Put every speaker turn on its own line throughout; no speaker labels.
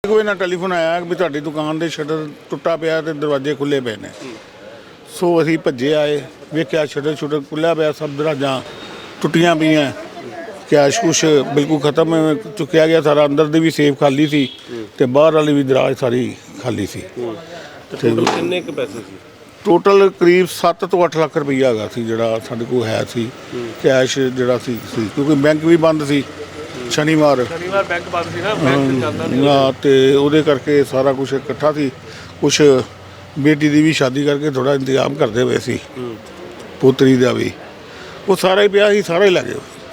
कोई ना टैलीफोन आया भी तुहाडी दुकान दे शटर टुट्टा पिया ते दरवाजे खुले पे ने। सो असीं भज्जे आए, वेख्या शटर शुटर खुल्लिया पिया, सब दराजां टुट्टियां पईयां, कैश कुछ बिल्कुल खत्म चुक्या गया सारा। अंदर दी भी सेफ खाली सी ते बाहर वाली भी दराज सारी खाली सी।
टोटल किन्ने क पैसे सी?
टोटल करीब 7 ਤੋਂ 8 ਲੱਖ ਰੁਪਈਆ ਹੈਗਾ ਸੀ ਜਿਹੜਾ ਸਾਡੇ ਕੋਲ ਹੈ ਸੀ ਕੈਸ਼ ਜਿਹੜਾ ਸੀ ਕਿਉਂਕਿ ਬੈਂਕ ਵੀ ਬੰਦ ਸੀ ਸ਼ਨੀਵਾਰ
ਬੈਂਕ ਬੰਦ ਸੀ ਨਾ, ਬੈਂਕ ਚੱਲਦਾ ਨਹੀਂ
ਨਾ, ਤੇ ਉਹਦੇ ਕਰਕੇ ਸਾਰਾ ਕੁਝ ਇਕੱਠਾ ਸੀ। ਕੁਛ ਬੇਟੀ ਦੀ ਵੀ ਸ਼ਾਦੀ ਕਰਕੇ ਥੋੜਾ ਇੰਤਜ਼ਾਮ ਕਰਦੇ ਪਏ ਸੀ, ਪੋਤਰੀ ਦਾ ਵੀ, ਉਹ ਸਾਰਾ ਹੀ ਪਿਆ ਸੀ, ਸਾਰਾ ਹੀ ਲੈ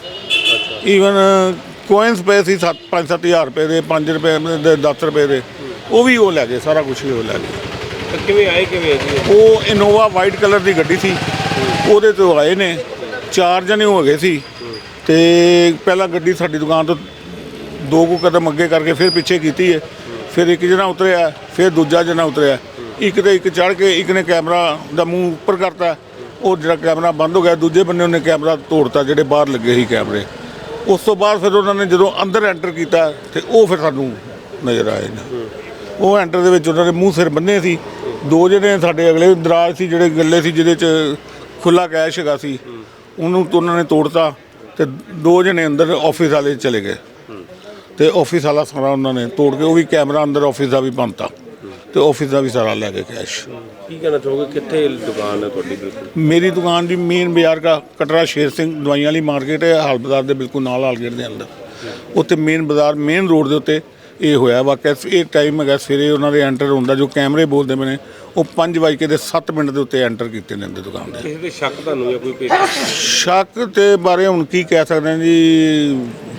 ਗਏ। ਈਵਨ ਕੋਇਨਸ ਪਏ ਸੀ 5-7 ਹਜ਼ਾਰ ਰੁਪਏ ਦੇ, 5 ਰੁਪਏ ਦੇ, 10 ਰੁਪਏ ਦੇ, ਉਹ ਵੀ ਉਹ ਲੈ ਗਏ, ਸਾਰਾ ਕੁਛ ਹੀ ਉਹ ਲੈ ਗਏ।
ਕਿਵੇਂ ਆਏ ਕਿਵੇਂ ਜੀ?
ਉਹ ਇਨੋਵਾ ਵਾਈਟ ਕਲਰ ਦੀ ਗੱਡੀ ਸੀ, ਉਹਦੇ ਤੋਂ ਆਏ ਨੇ, 4 ਜਣੇ ਹੋ ਗਏ ਸੀ। ਤੇ ਪਹਿਲਾਂ ਗੱਡੀ ਸਾਡੀ ਦੁਕਾਨ ਤੋਂ 2 ਕੁ ਕਦਮ ਅੱਗੇ ਕਰਕੇ ਫਿਰ ਪਿੱਛੇ ਕੀਤੀ ਹੈ, ਫਿਰ ਇੱਕ ਜਣਾ ਉਤਰਿਆ, ਫਿਰ ਦੂਜਾ ਜਣਾ ਉਤਰਿਆ, ਇੱਕ ਤੇ ਇੱਕ ਚੜ੍ਹ ਕੇ ਇੱਕ ਨੇ ਕੈਮਰਾ ਦਾ ਮੂੰਹ ਉੱਪਰ ਕਰਤਾ, ਉਹ ਜਿਹੜਾ ਕੈਮਰਾ ਬੰਦ ਹੋ ਗਿਆ, ਦੂਜੇ ਬੰਨੇ ਉਹਨੇ ਕੈਮਰਾ ਤੋੜਤਾ ਜਿਹੜੇ ਬਾਹਰ ਲੱਗੇ ਸੀ ਕੈਮਰੇ। ਉਸ ਤੋਂ ਬਾਅਦ ਫਿਰ ਉਹਨਾਂ ਨੇ ਜਦੋਂ ਅੰਦਰ ਐਂਟਰ ਕੀਤਾ ਤੇ ਉਹ ਫਿਰ ਸਾਨੂੰ ਨਜ਼ਰ ਆਏ ਨੇ। ਉਹ ਐਂਟਰ ਦੇ ਵਿੱਚ ਉਹਨਾਂ ਦੇ ਮੂੰਹ ਸਿਰ ਬੰਨੇ ਸੀ। 2 ਜਣੇ ਸਾਡੇ ਅਗਲੇ ਦਰਾਜ ਸੀ ਜਿਹੜੇ ਗੱਲੇ ਸੀ ਜਿਹਦੇ 'ਚ ਖੁੱਲ੍ਹਾ ਕੈਸ਼ ਹੈਗਾ ਸੀ, ਉਹਨੂੰ ਉਹਨਾਂ ਨੇ ਤੋੜਤਾ ਤੇ 2 ਜਣੇ ਅੰਦਰ ਆਫਿਸ ਵਾਲੇ ਚਲੇ ਗਏ ਤੇ ਆਫਿਸ ਵਾਲਾ ਸਾਰਾ ਉਹਨਾਂ ਨੇ ਤੋੜ ਕੇ ਉਹ ਵੀ ਕੈਮਰਾ ਅੰਦਰ ਆਫਿਸ ਦਾ ਵੀ ਬੰਨਤਾ ਤੇ ਆਫਿਸ ਦਾ ਵੀ ਸਾਰਾ ਲੈ ਗਏ ਕੈਸ਼।
ਕੀ ਕਹਿਣਾ ਚਾਹੋਗੇ, ਕਿੱਥੇ ਦੁਕਾਨ ਹੈ ਤੁਹਾਡੀ? ਬਿਲਕੁਲ
ਮੇਰੀ ਦੁਕਾਨ ਦੀ ਮੇਨ ਬਾਜ਼ਾਰ ਦਾ ਕਟਰਾ ਸ਼ੇਰ ਸਿੰਘ ਦਵਾਈਆਂ ਵਾਲੀ ਮਾਰਕੀਟ ਹੈ, ਹਾਲ ਬਾਜ਼ਾਰ ਦੇ ਬਿਲਕੁਲ ਨਾਲ ਹਾਲ ਗੇਟ ਦੇ ਅੰਦਰ, ਉੱਥੇ ਮੇਨ ਬਾਜ਼ਾਰ ਮੇਨ ਰੋਡ ਦੇ ਉੱਤੇ ਇਹ ਹੋਇਆ ਵਾਕਿਆ। ਇਹ ਟਾਈਮ ਹੈਗਾ ਸਵੇਰੇ ਉਹਨਾਂ ਦੇ ਐਂਟਰ ਹੁੰਦਾ, ਜੋ ਕੈਮਰੇ ਬੋਲਦੇ ਪਏ ਨੇ ਉਹ 5:07 ਦੇ ਉੱਤੇ ਐਂਟਰ ਕੀਤੇ ਨੇ ਅੰਦਰ ਦੁਕਾਨ ਦੇ।
ਕਿਸੇ ਦੇ ਸ਼ੱਕ ਤੁਹਾਨੂੰ ਜਾਂ ਕੋਈ
ਸ਼ੱਕ ਤੇ ਬਾਰੇ ਹੁਣ ਕੀ ਕਹਿ ਸਕਦੇ ਹਾਂ ਜੀ,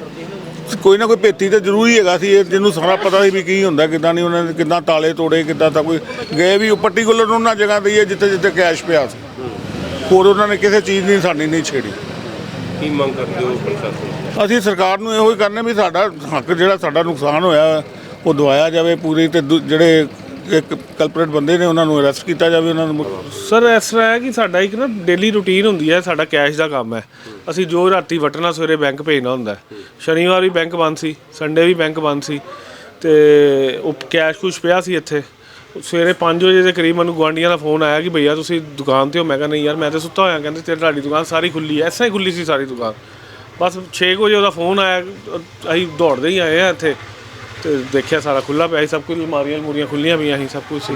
ਕੋਈ ਨਾ ਕੋਈ ਭੇਤੀ ਤਾਂ ਜ਼ਰੂਰ ਹੀ ਹੈਗਾ ਸੀ, ਇਹ ਜਿਹਨੂੰ ਸਾਰਾ ਪਤਾ ਸੀ ਵੀ ਕੀ ਹੁੰਦਾ ਕਿੱਦਾਂ ਨਹੀਂ, ਉਹਨਾਂ ਨੇ ਕਿੱਦਾਂ ਤਾਲੇ ਤੋੜੇ, ਕਿੱਦਾਂ ਤਾਂ ਕੋਈ ਗਏ ਵੀ ਪਰਟੀਕੂਲਰ ਉਹਨਾਂ ਜਗ੍ਹਾ 'ਤੇ ਹੀ ਹੈ ਜਿੱਥੇ ਜਿੱਥੇ ਕੈਸ਼ ਪਿਆ ਸੀ, ਹੋਰ ਉਹਨਾਂ ਨੇ ਕਿਸੇ ਚੀਜ਼ ਨਹੀਂ ਸਾਡੀ ਨਹੀਂ ਛੇੜੀ।
ਕੀ ਮੰਗ ਕਰਦੇ ਹੋ ਪ੍ਰਸ਼ਾਸਨ?
ਅਸੀਂ ਸਰਕਾਰ ਨੂੰ ਇਹੋ ਹੀ ਕਰਨੇ ਵੀ ਸਾਡਾ ਹੱਕ ਜਿਹੜਾ ਸਾਡਾ ਨੁਕਸਾਨ ਹੋਇਆ ਉਹ ਦਵਾਇਆ ਜਾਵੇ ਪੂਰੀ, ਤੇ ਜਿਹੜੇ ਇੱਕ ਕਲਪਰੇਟ ਬੰਦੇ ਨੇ ਉਹਨਾਂ ਨੂੰ ਅਰੈਸਟ ਕੀਤਾ ਜਾਵੇ। ਉਹਨਾਂ ਨੂੰ
ਸਰ ਇਸ ਤਰ੍ਹਾਂ ਹੈ ਕਿ ਸਾਡਾ ਇੱਕ ਨਾ ਡੇਲੀ ਰੂਟੀਨ ਹੁੰਦੀ ਹੈ, ਸਾਡਾ ਕੈਸ਼ ਦਾ ਕੰਮ ਹੈ। ਅਸੀਂ ਜੋ ਰਾਤੀ ਵਟਣਾ ਸਵੇਰੇ ਬੈਂਕ ਭੇਜਣਾ ਹੁੰਦਾ। ਸ਼ਨੀਵਾਰ ਵੀ ਬੈਂਕ ਬੰਦ ਸੀ, ਸੰਡੇ ਵੀ ਬੈਂਕ ਬੰਦ ਸੀ, ਤੇ ਉਹ ਕੈਸ਼ ਕੁਛ ਪਿਆ ਸੀ ਇੱਥੇ। ਸਵੇਰੇ 5 ਵਜੇ ਦੇ ਕਰੀਬ ਮੈਨੂੰ ਗੁਆਂਢੀਆਂ ਦਾ ਫੋਨ ਆਇਆ ਕਿ ਭਈਆ ਤੁਸੀਂ ਦੁਕਾਨ 'ਤੇ ਹੋ। ਮੈਂ ਕਿਹਾ ਨਹੀਂ ਯਾਰ ਮੈਂ ਤਾਂ ਸੁੱਤਾ ਹੋਇਆ। ਕਹਿੰਦੇ ਤੇਰੀ ਤੁਹਾਡੀ ਦੁਕਾਨ ਸਾਰੀ ਖੁੱਲੀ ਹੈ। ਐਸਾ ਹੀ ਖੁੱਲੀ ਸੀ ਸਾਰੀ ਦੁਕਾਨ। ਬਸ 6 ਵਜੇ ਉਹਦਾ ਫੋਨ ਆਇਆ, ਅਸੀਂ ਦੌੜਦੇ ਹੀ ਆਏ ਹਾਂ ਇੱਥੇ ਤੇ ਦੇਖਿਆ ਸਾਰਾ ਖੁੱਲ੍ਹਾ ਪਿਆ ਸੀ, ਸਭ ਕੁਝ, ਅਲਮਾਰੀਆਂ ਮੂਰੀਆਂ ਖੁੱਲ੍ਹੀਆਂ ਪਈਆਂ ਸੀ, ਸਭ ਕੁਝ ਸੀ।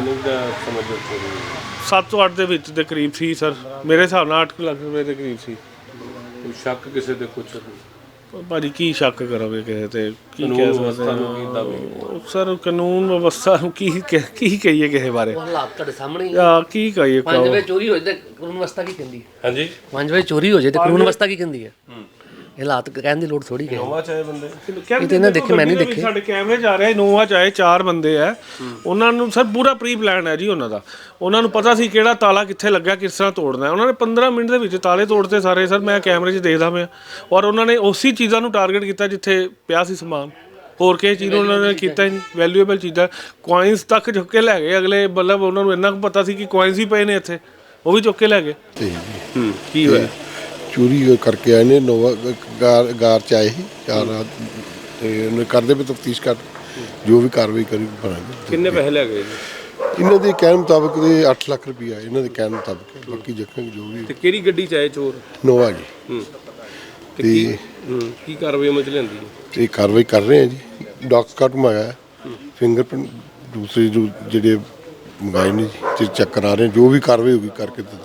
7 ਤੋਂ 8 ਦੇ ਵਿੱਚ ਦੇ ਕਰੀਬ ਸੀ ਸਰ, ਮੇਰੇ ਹਿਸਾਬ ਨਾਲ 8 ਲੱਖ ਰੁਪਏ ਦੇ ਕਰੀਬ ਸੀ।
ਸ਼ੱਕ ਕਿਸੇ ਦੇ ਕੁਛ?
ਭਾਜੀ ਕੀ ਸ਼ੱਕ ਕਰੋਗੇ ਕਿਸੇ ਤੇ? ਕੀ ਕਹਿ ਸਕਦੇ ਸਰ, ਕਾਨੂੰਨ ਵਿਵਸਥਾ ਨੂੰ ਕੀ ਕਹੀਏ ਕਿਸੇ ਬਾਰੇ?
ਹਾਲਾਤ ਤੁਹਾਡੇ ਸਾਹਮਣੇ ਹੀ
ਆ, ਕੀ ਕਹੀਏ?
5 ਵਜੇ ਚੋਰੀ ਹੋ ਜਾਏ ਤੇ ਕਾਨੂੰਨ ਵਿਵਸਥਾ ਕੀ ਕਹਿੰਦੀ ਹੈ?
ਹਾਂਜੀ
5 ਵਜੇ ਚੋਰੀ ਹੋ ਜਾਏ ਤੇ ਕਾਨੂੰਨ ਵਿਵਸਥਾ ਕੀ ਕਹਿੰਦੀ ਹੈ? ਇਹ ਹਾਲਾਤ ਕਹਿਣ ਦੀ ਲੋੜ ਥੋੜੀ ਹੈ।
ਨੋਵਾ ਚਾਹੇ ਬੰਦੇ
ਇਹ ਤੇ ਇਹਨਾਂ ਦੇਖੇ, ਮੈਂ ਨਹੀਂ ਦੇਖੇ। ਸਾਡੇ ਕੈਮਰੇ ਜਾ ਰਹੇ ਇਨੋਵਾ ਚਾਹੇ 4 ਬੰਦੇ ਆ, ਉਹਨਾਂ ਨੂੰ ਸਰ ਪੂਰਾ ਪ੍ਰੀ ਪਲਾਨ ਹੈ ਜੀ ਉਹਨਾਂ ਦਾ। ਉਹਨਾਂ ਨੂੰ ਪਤਾ ਸੀ ਕਿਹੜਾ ਤਾਲਾ ਕਿੱਥੇ ਲੱਗਾ, ਕਿਸ ਤਰ੍ਹਾਂ ਤੋੜਨਾ। ਉਹਨਾਂ ਨੇ 15 ਮਿੰਟ ਦੇ ਵਿੱਚ ਤਾਲੇ ਤੋੜਤੇ ਸਾਰੇ ਸਰ, ਮੈਂ ਕੈਮਰੇ 'ਚ ਦੇਖਦਾ ਪਿਆ। ਔਰ ਉਹਨਾਂ ਨੇ ਉਸੇ ਚੀਜ਼ਾਂ ਨੂੰ ਟਾਰਗੇਟ ਕੀਤਾ ਜਿੱਥੇ ਪਿਆ ਸੀ ਸਮਾਨ, ਹੋਰ ਕਿਸੇ ਚੀਜ਼ ਨੂੰ ਉਹਨਾਂ ਨੇ ਕੀਤਾ ਹੀ ਨਹੀਂ। ਵੈਲਿਊਏਬਲ ਚੀਜ਼ਾਂ ਕੋਇਨਸ ਤੱਕ ਚੁੱਕ ਕੇ ਲੈ ਗਏ ਅਗਲੇ, ਮਤਲਬ ਉਹਨਾਂ ਨੂੰ ਇੰਨਾ ਕੁ ਪਤਾ ਸੀ ਕਿ ਕੋਇਨਸ ਹੀ ਪਏ ਨੇ ਇੱਥੇ, ਉਹ ਵੀ ਚੁੱਕ ਕੇ ਲੈ ਗਏ।
ਕੀ ਹੋਇਆ?
ਚੋਰੀ ਕਰਕੇ ਆਏ ਨੇ, ਨੋਵਾ ਗਾਰ 'ਚ ਆਏ ਸੀ 4 ਰਾਤ, ਤੇ ਉਹਨੇ ਕਰਦੇ ਵੀ ਤਫਤੀਸ਼ ਕਰ, ਜੋ ਵੀ ਕਾਰਵਾਈ ਕਰੀ ਬਣਾਂਗੇ।
ਕਿੰਨੇ ਪੈਸੇ ਲੈ ਗਏ?
ਇਹਨਾਂ ਦੇ ਕਹਿਣ ਮੁਤਾਬਕ 8 ਲੱਖ ਰੁਪਈਆ ਇਹਨਾਂ ਦੇ ਕਹਿਣ ਮੁਤਾਬਕ, ਬਾਕੀ ਦੇਖਾਂਗੇ ਜੋ ਵੀ।
ਤੇ ਕਿਹੜੀ ਗੱਡੀ 'ਚ ਆਏ ਚੋਰ?
ਨੋਵਾ ਜੀ।
ਤੇ ਕੀ ਕਾਰਵਾਈ ਅਮਲ 'ਚ ਲਿਆਂਦੀ ਹੈ?
ਤੇ ਕਾਰਵਾਈ ਕਰ ਰਹੇ ਹਾਂ ਜੀ, ਡਾਕ ਸਕਾਟ ਮੰਗਾਇਆ, ਫਿੰਗਰਪ੍ਰਿੰਟ ਦੂਸਰੇ ਜੋ ਜਿਹੜੇ ਮੰਗਾਏ ਨੇ ਜੀ ਚੈੱਕ ਕਰਾ ਰਹੇ, ਜੋ ਵੀ ਕਾਰਵਾਈ ਹੋਗੀ ਕਰਕੇ